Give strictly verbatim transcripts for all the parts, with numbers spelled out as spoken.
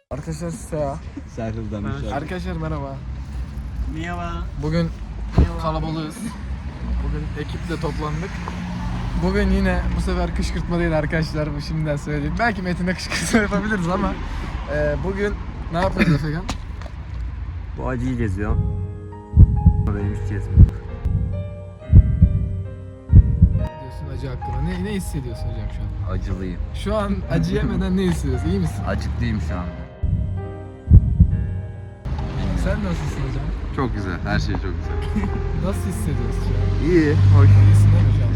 Arkadaşlar Seha. Serhil'den bir şey. Arkadaşlar merhaba. Merhaba. Bugün kalabalığız. Bugün ekiple toplandık. Bugün yine bu sefer kışkırtma değil arkadaşlar, bu şimdiden söyleyeyim. Belki Metin'e kışkırtma yapabiliriz ama e, bugün ne yapıyoruz Efekan? Bu acıyı geziyor. Benim hiç gezmiyor. Ne diyorsun acı hakkında? Ne, ne hissediyorsun hocam şu an? Acılıyım. Şu an acı yemeden ne hissediyorsun? İyi misin? Acıklıyım şu an. Sen nasılsın hocam? Çok güzel. Her şey çok güzel. Nasıl hissediyorsun şu an? İyi. Hoş. İyisin değil mi şu an?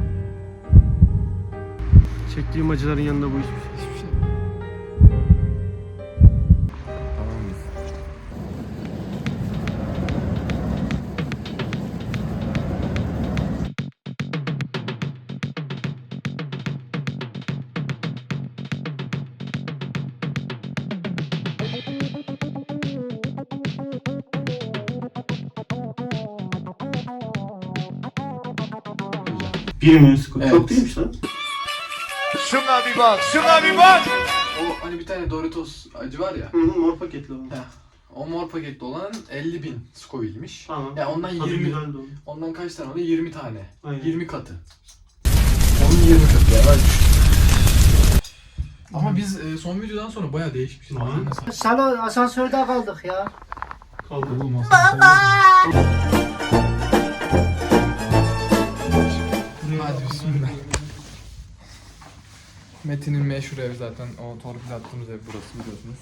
Çektiğim acıların yanında bu hiçbir şey. Hiçbir şey. Tamam mıyız? Bir mi? Çok Evet. değilmiş lan. Şuna bir bak, şuna bir bak. O hani bir tane Doritos acı var ya. Hı hı, mor paketli olan. Heh. O mor paketli olan elli bin Scoville'miş. Tamam. Ya ondan Tadı yirmi. güzeldi onun. Ondan kaç tane oluyor? yirmi tane. Aynen. yirmi katı. Onun yirmi katı ya. Bak. Ama biz e, son videodan sonra bayağı değişmişiz. Aha. Mesela. Salon asansörde kaldık ya. Kaldı. Oğlum aslında. Hadi bismillah. Metin'in meşhur ev zaten. O torpil attığımız ev burası, biliyorsunuz.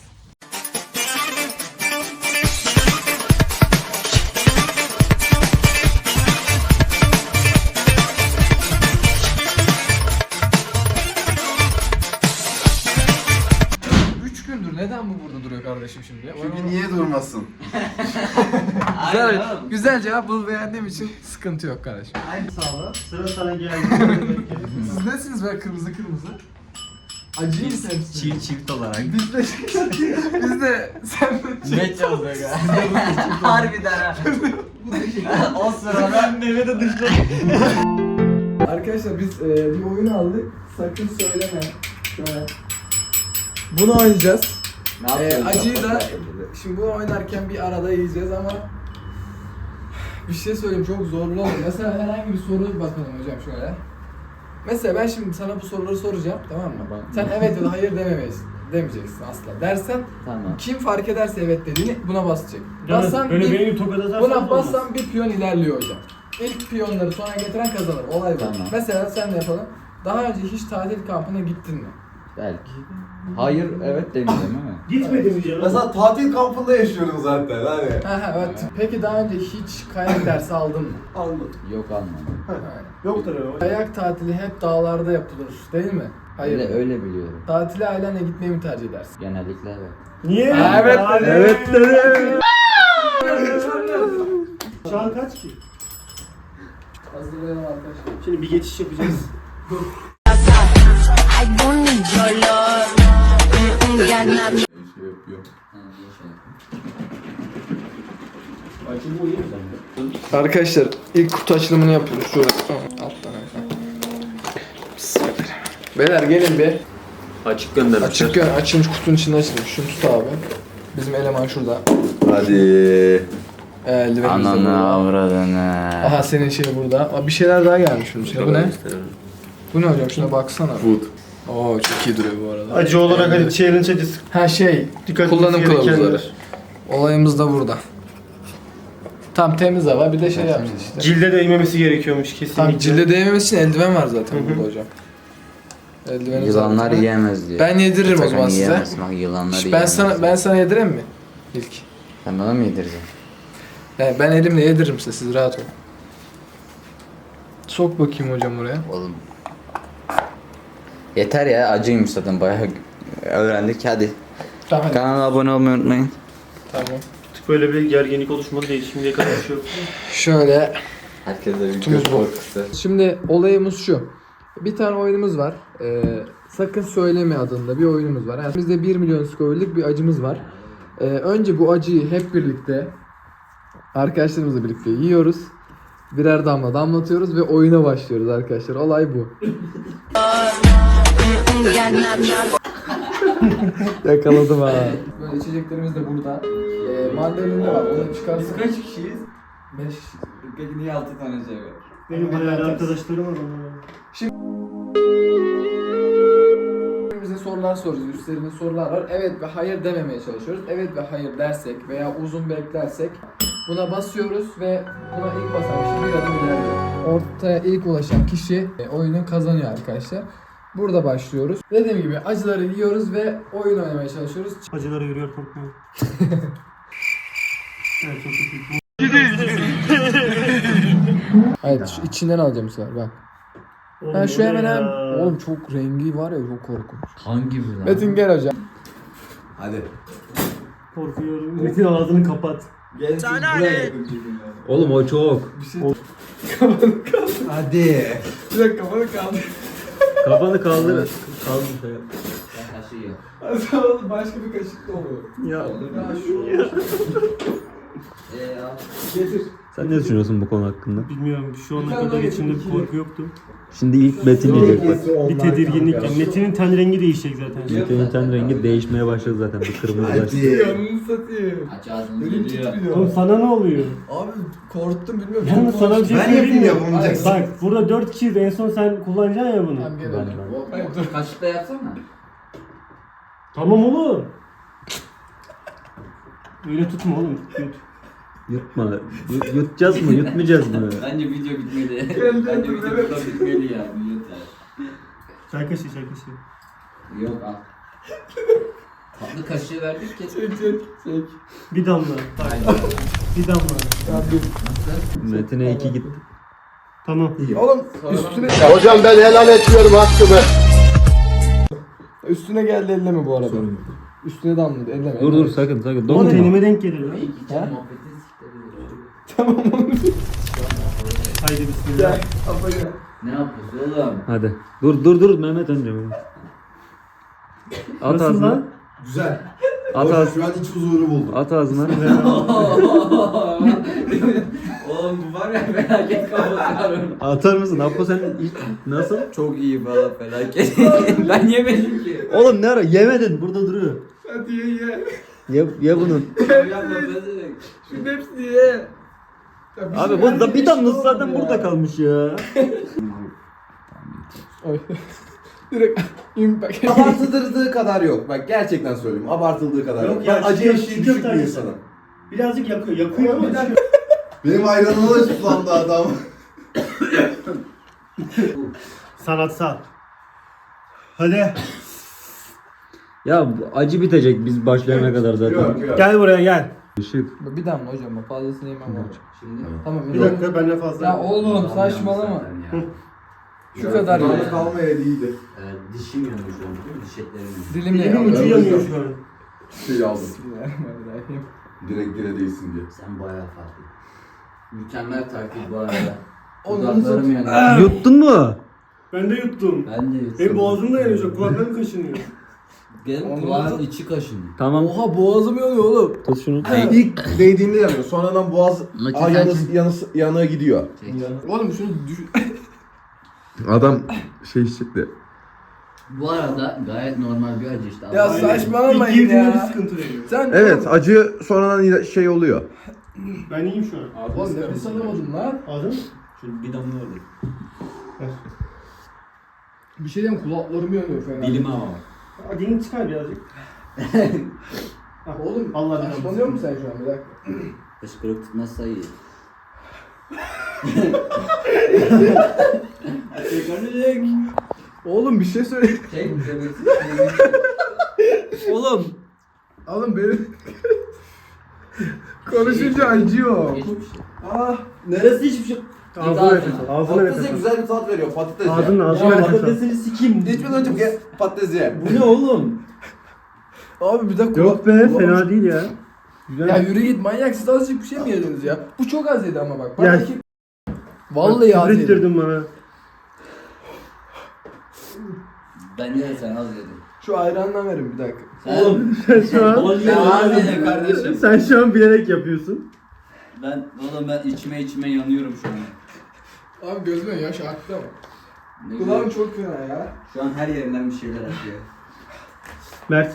Üç gündür neden bu burada duruyor kardeşim şimdi ya? Çünkü niye durmasın? Güzel, güzel cevap bul, beğendiğim için sıkıntı yok kardeşim. Aynı sağlığı. Sıra sana geldi. Siz nesiniz böyle kırmızı kırmızı? Acıyı mı sevmişsiniz? Çift çift olarak. Biz de, biz de sen de Ne çalacak ha? Harbiden ha. O sırada Mehmet'e de dışladı. Arkadaşlar biz e, bir oyun aldık. Sakın söyleme. Şöyle. Bunu oynayacağız. ne E, yapıyorsun? acıyı da şimdi bunu oynarken bir arada yiyeceğiz ama bir şey söyleyeyim, çok zorlu olur. Mesela herhangi bir soru bakalım hocam şöyle. Mesela ben şimdi sana bu soruları soracağım, tamam mı? Tamam. Sen evet ya da hayır dememeyiz. Demeyeceksin asla. Dersen Tamam. kim fark ederse evet dediğini buna basacak. Bassan Böyle bir, beni tokat atarsan buna olmaz. bassan bir piyon ilerliyor hocam. İlk piyonları sona getiren kazanır. Olay bu. Tamam. Mesela sen de yapalım. Daha önce hiç tatil kampına gittin mi? Belki. Hayır, evet demeyeceğim değil mi? Gitmedi mi canım? Mesela tatil kampında yaşıyorum zaten hani. Ha ha evet. Peki daha önce hiç kayak dersi aldın mı? Aldım. Yok, almadım. Aynen. Yoktur öyle. Kayak tatili hep dağlarda yapılır değil mi? Hayır. Öyle, öyle biliyorum. Tatile ailenle gitmeyi mi tercih edersin? Genellikle evet. Niye? Ha, evet dedi. Evet dedi. Şu an kaç ki? Hazırlayalım arkadaşlar. Şimdi bir geçiş yapacağız. I don't need your love. Mm-mm, got nothing. Şey yapıyorum. Ha, iyi şey yapayım. Acı bu iyi mi sen? Arkadaşlar ilk kutu açılımını yapıyoruz. Şurada. Alttan aşağı. Beyler gelin bir. Açık göndermişler. Açık gö- açılmış kutunun içinde açılmış. Şunu tut abi. Bizim eleman şurada. Hadi. Eldivenimiz de Ananı burada. avradını. Aha senin şey burada. Aa, bir şeyler daha gelmiş bunun içine. Bu ne? Bu ne hocam? Şuna baksana. Food. Oo çok iyi duruyor bu arada. Acı olarak hadi challenge acısı. Ha şey, Dikkat kullanım etmesi gerekenler. kılavuzları. Olayımız da burada. Tam temiz hava, bir de şey yapacağız işte. Cilde değmemesi gerekiyormuş kesinlikle. Tam cilde değmemesi için eldiven var zaten burada hocam. Eldiveni Yılanlar zaten. yiyemez diyor. Ben yediririm o zaman Sakın size. yiyemezsin, bak yılanlar Şş, Ben yiyemez. sana ben sana yedireyim mi? İlk. Sen bana mı yedireceksin? Yani ben elimle yediririm size, siz rahat olun. Sok bakayım hocam oraya. Oğlum. Yeter ya, acıymış zaten, bayağı öğrendik, hadi. Tamam hadi. Kanala abone olmayı unutmayın. Tamam. Böyle bir gerginlik oluşmadı değil. Şimdiye kadar bir şey yok. Şöyle. Herkese bir Kutumuz göz bu. korkusu. Şimdi olayımız şu. Bir tane oyunumuz var. Ee, Sakın Söyleme adında bir oyunumuz var. Yani bizde bir milyon Scoville'lik bir acımız var. Ee, önce bu acıyı hep birlikte arkadaşlarımızla birlikte yiyoruz. Birer damla damlatıyoruz ve oyuna başlıyoruz arkadaşlar. Olay bu. Mm-mm, got nothing. Yakaladım ha. Böyle içeceklerimiz de burada. Ee, mandalina var. Onu çıkarsın. Biz kaç kişiyiz? beş kişi. Peki niye altı tane şey var? Benim bayağı arkadaşlarım var onlara. Bize sorular soruyoruz. Üstlerinde sorular var. Evet ve hayır dememeye çalışıyoruz. Evet ve hayır dersek veya uzun beklersek buna basıyoruz ve buna ilk basan kişi bir adım ilerliyor. Ortaya ilk ulaşan kişi e, oyunu kazanıyor arkadaşlar. Burada başlıyoruz. Dediğim gibi acıları yiyoruz ve oyun oynamaya çalışıyoruz. Acılara yürüyor korkmuyor. Evet çok kötü. Hayır şu içinden alacağım bu sefer bak. Oğlum, Ben şu o ne hemen ya? hem... Oğlum çok rengi var ya çok korkunç. Hangi bir lan? Metin gel hocam. Hadi. Korkuyorum. Metin ağzını kapat. Gel buraya yakın çekin. Oğlum o çok. Bir şey... Hadi. Bir dakika kafanı kaldı. Kafanı kaldır. Kaldır. Ben kaşığı yok. Sonra başka bir kaşık da oluyor. Ya. Ya şu... Eee ya. Getir. Sen ne düşünüyorsun bu konu hakkında? Bilmiyorum şu ana Bir tane kadar daha içimde getir, bir korku yoktu. Şimdi ilk Metin yiyecek bak. Bir tedirginlik. Yani Metin'in ten rengi değişecek zaten. Metin'in ten rengi değişmeye başladı zaten. Bir kırmızılaştı. Yanını satayım. Aç ağzını Elim geliyor. titriyor. Oğlum sana ne oluyor? Abi korktum bilmiyorum. Yalnız Çok sana bir şey Ben söyleyeyim yapayım mi? yapamayacaksın. Bak burada dört kişiyiz. En son sen kullanacaksın ya bunu. Tamam gel Ben- hocam. O, Hayır, o kaşıkla yapsana. Tamam oğlum. Öyle tutma oğlum. Yut. Yutma. Yut- Yutacağız mı? Yutmayacağız mı? Bence video bitmeli. Gel, Bence gel, video evet. burada bitmeli ya. Yeter. Çay kaşığı çay kaşığı. Yok al. Tatlı kaşığı verdik ki. Çek çek çek. Bir damla. Bak. Bir damla. Ya dur. Metin'e iki gitti. Tamam. Oğlum üstüne Hocam ben helal etmiyorum hakkımı. üstüne geldi elleme bu arada. Üstüne damladı elleme. Dur dur elleme. sakın sakın. Oğlum Dokunma. tenime denk gelir lan. İlk içen Ha? muhabbeti siktir. Tamam oğlum. Haydi bismillah. Gel. Abla gel. Ne yapıyorsun oğlum? Hadi. Dur dur dur Mehmet önce. At Nasıl ağzına. lan? Güzel. At Hoş, ağzına. şu an iç huzuru buldum. At ağzına. Oğlum bu var ya felaket kapatıyorum. Atar mısın? Apo sen ilk- nasıl? Çok iyi valla felaket. Ben yemedim ki. Oğlum ne ara? Yemedin. Burada duruyor. Hadi ye ye. Ye, ye bunu. Yapma bezerek. Şunun hepsini ye. Ya bir Abi şey bu da verdi, bir şey damlası oldu zaten ya. burada kalmış ya. Oy. Direkt impact. Abartıldığı kadar yok. Bak gerçekten söylüyorum. Abartıldığı kadar Yok yok. ya, Ben acı çiğ- eşiği çiğ düşük köfte bir acısı. insanım. Birazcık yakıyor. Yakıyor ama. Benim ayranıma da sulandı adam. Sanatsal. Hadi. Ya bu acı bitecek biz başlayana kadar zaten. Yok yok. Gel buraya gel. Işık. Bir damla hocam bak fazlasını yemem hocam. Şimdi Tamam Bir dakika benden fazla. Ya oğlum saçmalama. Şu kadar Damla ya. kalmaya iyiydi. Evet, dişim yanıyor şu an. değil mi? Diş etlerim yanıyor. Dilim de Dilim ucu yanıyor. yanıyor şu an. Şey aldım. Bismillahirrahmanirrahim. Direkt dire değilsin diye. Sen bayağı farklı. Mükemmel takip bu arada. Onu Dudaklarım satayım. yanıyor. Yuttun mu? Ben de yuttum. Ben de yuttum. Benim boğazım da yanıyor. Şu kulaklarım kaşınıyor. Benim Onu kulağın tut. içi kaşınıyor. Tamam. Oha boğazım yanıyor oğlum. Tut şunu. İlk değdiğinde yanıyor. Sonradan boğaz Maçı Aa, sen yanı, çek. yanı, yanığa gidiyor. Oğlum şunu düş... Adam şey çıktı. Bu arada gayet normal bir acı işte. Ya Ama- saçmalamayın İlk girdiğinde bir ya. sıkıntı veriyor. Sen Evet acı sonradan şey oluyor. Ben iyiyim şu an. Oğlum nefes alamadım lan. Aldın? Şöyle bir damla orada. Bir şey diyeyim kulaklarım yanıyor fena. ama. Aa, dilini çıkar birazcık. Oğlum Allah bilir. saçmalıyor musun sen şu an bir dakika? Kışkırık tutmazsa iyi. Çekirdek. Oğlum bir şey söyle. Çek. Oğlum. Oğlum benim... Konuşunca acıyor. Hiçbir şey. Ah. Neresi hiçbir şey. Ağzına nefes al. Ağzına nefes Patatese al. güzel bir tat veriyor. Patates Ağzının ya. ağzına nefes al. sikeyim. İçmeden önce gel patates ye. Bu ne oğlum? Abi bir dakika. Yok be kulağım- fena değil ya. Güzel. Ya yürü git manyak siz azıcık bir şey mi yediniz ya? Bu çok az yedi ama bak. Ya- Bana iki... Vallahi az Küfür yedi. ettirdin bana. Bence de sen az yedin. Şu ayrandan verin bir dakika. Oğlum. Sen şu an Sen az yedin kardeşim. sen şu an bilerek yapıyorsun. Ben oğlum ben içime içime yanıyorum şu an. Abi gözüme yaş aktı ama. Ne Kulağım güzel. çok fena ya. Şu an her yerinden bir şeyler akıyor. Mert.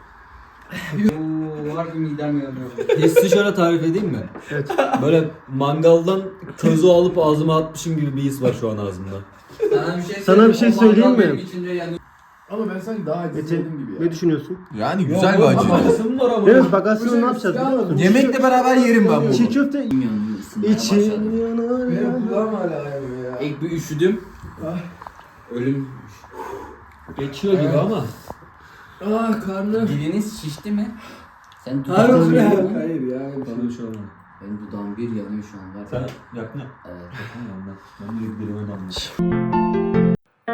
Oo, harbi midem yanıyor. Hissi şöyle tarif edeyim mi? Evet. Böyle mangaldan közü alıp ağzıma atmışım gibi bir his var şu an ağzımda. Sana bir şey Sana bir şey O mangal söyleyeyim mi? benim içimde yanıyor. Ama ben sanki daha acı sevdim gibi ya. Ne düşünüyorsun? Yani güzel bir acı. Acısı mı var ama? Evet bak aslında ne yapacağız biliyor musun? Yemekle beraber yerim ben Çiğ bunu. köfte Yanıyor, ısınmaya için başladı. yanar Benim yanar. kulağım hala yanıyor ya. İlk bir üşüdüm. Ölüm. Geçiyor gibi ama. Ah karnım. Diliniz şişti mi? Sen Hayır dudağın ya. yanıyor mu? Hayır ya. Bana bir şey olmadı. Benim dudağım bir yanıyor şu an var. Sen yakın ya. Evet. Ben de dilime damladım.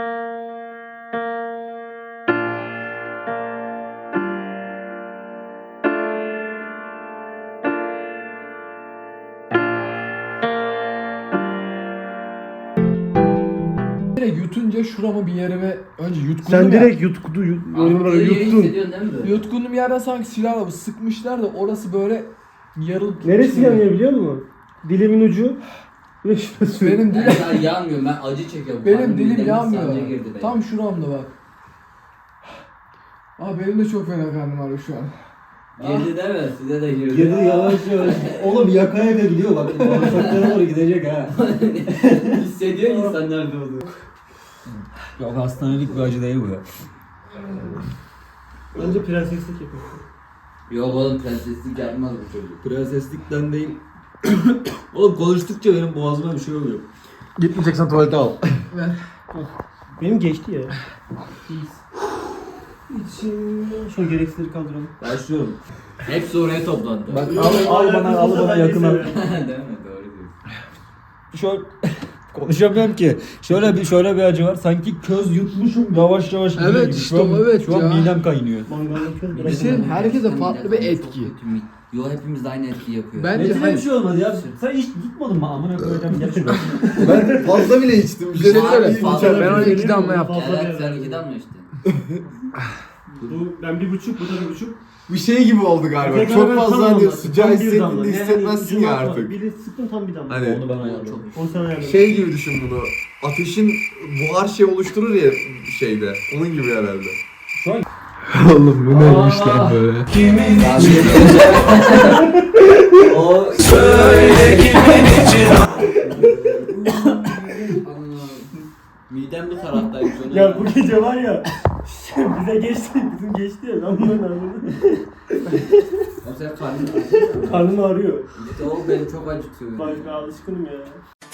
Direkt yutunca şurama bir yerime önce yutkundum Sen ya. direkt yutkudu yut, yorumları Abi, iyi yuttun. hissediyorsun değil mi böyle? Yutkundum yerden sanki silahla sıkmışlar da orası böyle yarılıp Neresi gitmiş gibi. yanıyor biliyor musun? Dilimin ucu ve şurası. Benim dilim, Ben yanmıyorum, ben acı çekiyorum. benim Karnım dilim mideme yanmıyor. sancı girdi benim. Tam şuramda bak. Aa benim de çok fena karnım ağrıyor şu an. Girdi değil mi? Size de girdi. Girdi yavaş yavaş. Oğlum yaka yaka gidiyor bak. Bağırsaklara doğru gidecek ha. Hissediyor insan nerede olduğunu. Yok hastanelik bir acı değil bu ya. Bence prenseslik yapıyor. Yok oğlum, prenseslik yapmaz bu çocuk. Prenseslikten değil. Oğlum konuştukça benim boğazıma bir şey oluyor. Gitmeyeceksen tuvalete al. Benim geçti ya. İçim şu gereksizleri kaldıralım. Başlıyorum. Hepsi oraya toplandı. Bak al, al bana al bana yakına. Değil mi? Doğru diyorsun. Şöyle konuşamıyorum ki. Şöyle bir şöyle bir acı var. Sanki köz yutmuşum yavaş yavaş gidiyor Evet gibi. işte Şu an, o, evet şu an ya. midem kaynıyor. Mangalda köz Bir bırak. şey diyeyim, herkese Gerçekten farklı midem bir çok etki. kötü. Mi- Yo, hepimiz de aynı etki yapıyor. Bence Metin'e bir hayır. şey olmadı ya. Sen hiç yutmadın mı? Amına koyacağım gel şuraya. Ben fazla bile içtim. Bir şey Abi, söyle. fazla Ben ona bir iki damla yaptım. Fazla Evet, bir- sen ikiden mi içtin? Bu ben bir buçuk, bu da bir buçuk. Bir şey gibi oldu galiba. Tekrar Çok ben fazla tam hani damla, sıcağı tam bir damla. hissettiğinde Yani hissetmezsin ya ucundan artık. Biri sıktım tam bir damla. Hani Onu ben Çok ayarladım. Onu sana ayarladım. şey gibi düşün bunu. Ateşin buhar şey oluşturur ya şeyde. Onun gibi herhalde. Oğlum bu neymiş lan böyle? O midem bu taraftaymış. onu- Ya bu gece var ya bize geçti, bizim geçti ya ben bunların ağrını. O senin karnın acıyor. Karnım ağrıyor. İşte o beni çok acıtıyor. Bak ben alışkınım ya.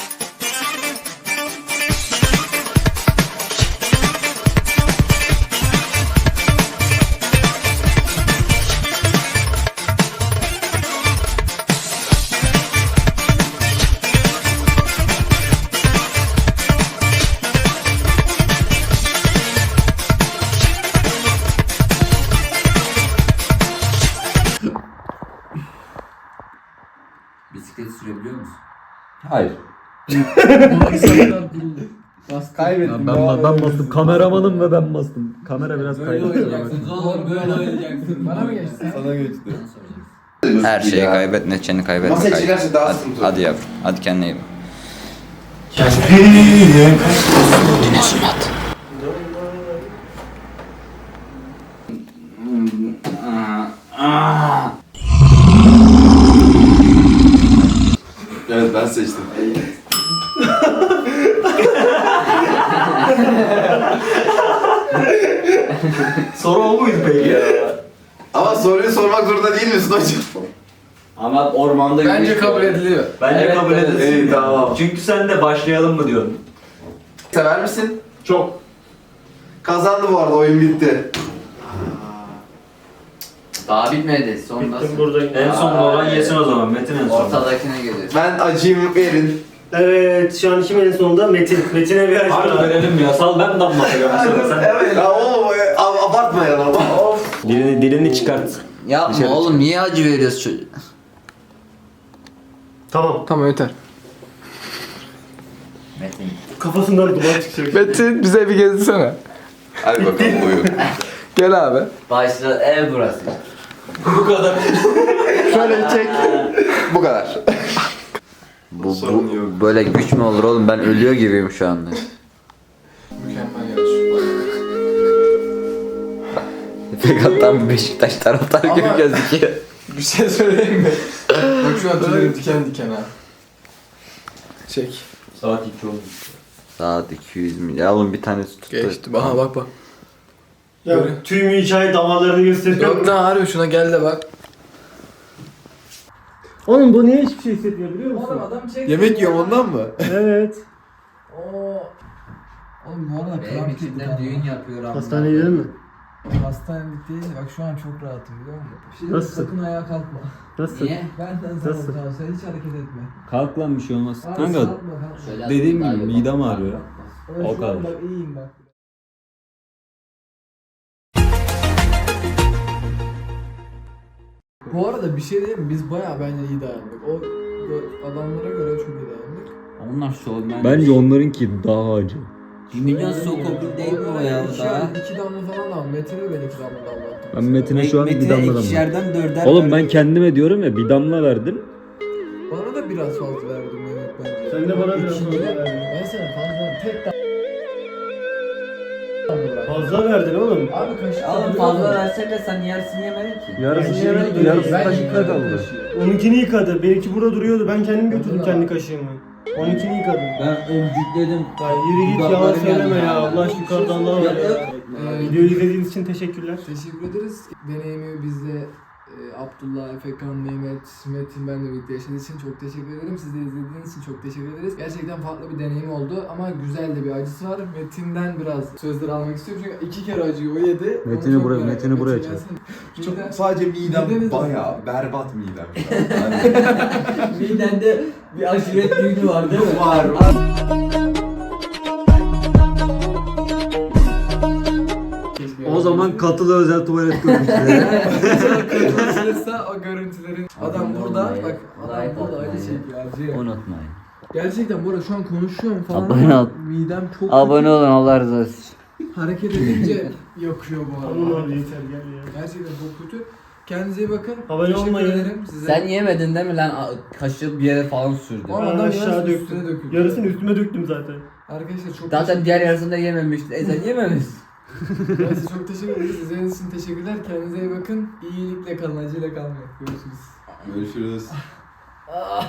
Bisiklet sürebiliyor musun? Hayır. Ben, Kaybettim. ben, ben bastım. Kameramanım ve ben bastım. Kamera biraz Böyle kaydı. oynayacaksınız oğlum, böyle oynayacaksınız. Bana mı geçti? Sana geçti. Bana soracaksın. Her şeyi kaybet, neçeni kaybetme. Masa kaybet. çıkarsa daha Hadi, sıkıntı. hadi yavrum, hadi kendine iyi bak. Evet ben seçtim. Soru o muydu peki ya? Ama soruyu sormak zorunda değil misin hocam? Ama ormanda Bence yürüyüş kabul var. ediliyor. Bence Evet, kabul evet. edilsin. İyi, tamam. Çünkü sen de başlayalım mı diyorsun? Sever misin? Çok. Kazandı bu arada, oyun bitti. Daha bitmedi. Son Bittim nasıl? buradayım. En son olan yesin o zaman. Metin en son. Ortadakine geliyor. Ben acıyım verin. Evet şu an kimin en sonunda? Metin. Metin'e bir aç. Harbi verelim ya. Sal ben damlatacağım. Sen Evet. Ya oğlum e, ab- abartmayalım ama. Of. dilini, dilini çıkart. Yapma oğlum, niye acı veriyorsun çocuğa? Tamam. Tamam yeter. Metin. Kafasından duman çıkacak. Metin bize bir gezdirsene. Hadi bakalım buyurun. Gel abi. Başla, ev burası. Bu kadar. Şöyle çek. Bu kadar. Bu, Sorun bu yok. böyle güç mü olur oğlum? Ben ölüyor gibiyim şu anda. Mükemmel yarış. Fakat tam Beşiktaş taraftarı gibi Ama- gözüküyor. Bir şey söyleyeyim mi? Bak şu an tüylerim diken diken ha. Çek. Saat iki oldu. Saat iki yüz milyon. Ya oğlum bir tanesi tuttu. Geçti. Aha bak bak. Ya tüm hikaye damarlarını gösteriyor. Yok lan harbi şuna gel de bak. Oğlum bu niye hiçbir şey hissetmiyor biliyor musun? adam çek. Yemek yiyorum ondan mı? Evet. Oo. Oğlum bu arada Benim içimden düğün yapıyor abi. Hastaneye gidelim mi? Hastanelik değil. Bak şu an çok rahatım biliyor musun? Şey, Nasıl? sakın ayağa kalkma. Nasıl? Niye? Benden sana Nasıl? tamam, sen hiç hareket etme. Kalk lan bir şey olmaz. Abi, Kanka kalkma, kalkma. Şöyle dediğim daha gibi iyi midem bak. ağrıyor. Ben O şu an kadar. bak iyiyim bak. Bu arada bir şey diyeyim mi? Biz bayağı bence iyi dayandık. O o adamlara göre çok iyi dayandık. Onlar şovmen. bence onlarınki daha acı. bir milyon sokopil değil mi o ya iki, daha? iki damla falan da Metin'e ben iki damla damlattım. Ben Metin'e şu an bir Metin'e damla damla. ikişerden dörder Oğlum ben verdim. kendime diyorum ya bir damla verdim. Bana da biraz fazla verdim Mehmet bence. Sen de bana biraz İkinci- fazla verdin. Ben sana fazla verdim. Tek damla bırak. Fazla verdin oğlum. Abi kaşık Oğlum fazla versen de sen yarısını yemedin ki. Yarısını Yani yemedik şimdi- yarısı Ben kaşıkta yıkadım kaldı. kaşığı. Onunkini yıkadı. Benimki burada duruyordu. Ben kendim götürdüm Hadi kendi lan. kaşığımı. Onunkini yıkadım. Ben ömcükledim. Ya yürü git yalan Dudaklarım söyleme yandı ya. ya. Allah aşkına yukarıda Allah var ya. Ee, Videoyu izlediğiniz için teşekkürler. Teşekkür ederiz. Deneyimi bizde e, Abdullah, Efekan, Mehmet, Metin ben de birlikte yaşadığı için çok teşekkür ederim. Siz de izlediğiniz için çok teşekkür ederiz. Gerçekten farklı bir deneyim oldu ama güzel de bir acısı var. Metin'den biraz sözler almak istiyorum çünkü iki kere acıyı o yedi. Onu Metin'i çok buraya- merak Metin'i ettim. buraya Metin çek. gelsin. Çok, Midem- sadece midem mideniz bayağı nasıl? berbat midem şu an. Yani Midende bir aşiret düğünü var değil mi? var. Keşke O zaman katılı özel tuvalet görüntüleri. Katılırsa o görüntülerin adam burada bak adam Like burada acı atmayı çekiyor acı. Unutmayın. Gerçekten bu arada şu an konuşuyorum falan Abone ama ol. midem çok Abone olun Allah razı olsun. kötü. Hareket edince yakıyor bu Tamam arada. abi yeter gel ya. Gerçekten çok kötü. Kendinize iyi bakın. Abone Teşekkür olmayı. ederim size. Sen yemedin değil mi lan? A- Kaşığı bir yere falan sürdün. Ama Ben adam aşağı yarısını döktüm. üstüne döküldü. Yarısını üstüme döktüm zaten. Arkadaşlar çok Zaten diğer yarısını da yememiştin. E sen yememişsin. teşekkür Neyse, çok teşekkür ederiz. İzlediğiniz için teşekkürler. Kendinize iyi bakın. İyilikle kalın, acıyla kalmayın. Görüşürüz. Görüşürüz.